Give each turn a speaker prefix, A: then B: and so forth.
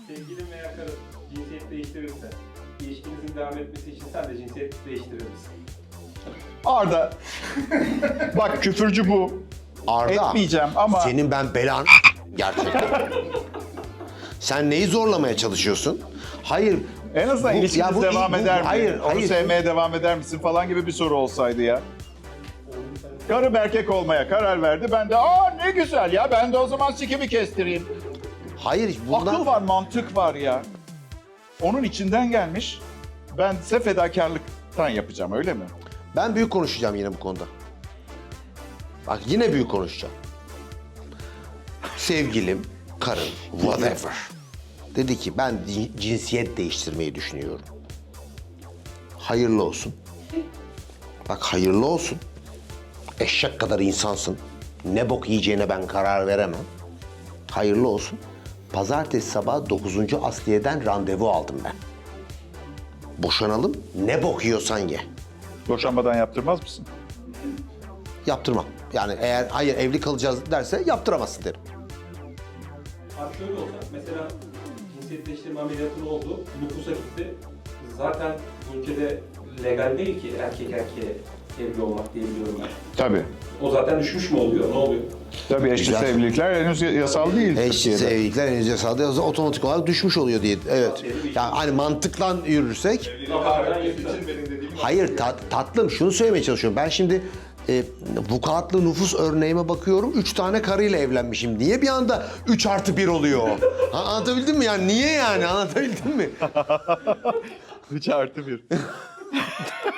A: Sevgilin veya karın cinsiyet değiştirirse, ilişkinizin devam etmesi için sen de cinsiyet değiştirir misin?
B: Arda. Bak küfürcü bu.
C: Arda,
B: Etmeyeceğim ama...
C: senin ben belanı gerçekten. Sen neyi zorlamaya çalışıyorsun? Hayır.
B: En azından ilişkiniz devam eder mi?
C: Hayır,
B: Onu
C: hayır.
B: sevmeye devam eder misin falan gibi bir soru olsaydı ya. Karım erkek olmaya karar verdi. Ben de ne güzel ya, ben de o zaman sikimi kestireyim.
C: Hayır, bundan...
B: Akıl var, mantık var ya. Onun içinden gelmiş. Ben ise fedakarlıktan yapacağım, öyle mi?
C: Ben büyük konuşacağım yine bu konuda. Bak yine büyük konuşacağım. Sevgilim, karım, whatever. Dedi ki ben cinsiyet değiştirmeyi düşünüyorum. Hayırlı olsun. Bak hayırlı olsun. Eşek kadar insansın. Ne bok yiyeceğine ben karar veremem. Hayırlı olsun. Pazartesi sabahı 9. Asliye'den randevu aldım ben. Boşanalım, ne bok yiyorsan ye.
B: Boşanmadan yaptırmaz mısın?
C: Yaptırmam. Yani eğer hayır evli kalacağız derse yaptıramazsın derim.
A: Abi şöyle olsa, mesela cinsiyet değiştirme ameliyatı oldu, nüfusa gitti. Zaten bu ülkede legal değil ki erkek erkeğe evli olmak diye biliyorum ben.
B: Tabii.
A: O zaten düşmüş mü oluyor, ne oluyor?
B: Tabii eşcinsel
C: Güzel.
B: evlilikler henüz yasal değil
C: Eşcinsel
B: Türkiye'de.
C: evlilikler henüz yasal değil, otomatik olarak düşmüş oluyor diye. Evet. Yani hani mantıkla yürürsek. Hayır tatlım şunu söylemeye çalışıyorum. Ben şimdi vukuatlı nüfus örneğime bakıyorum. 3 tane karıyla evlenmişim. Niye bir anda 3+1 oluyor? Ha, anlatabildim mi? Yani niye yani? Anlatabildim mi?
B: 3+1.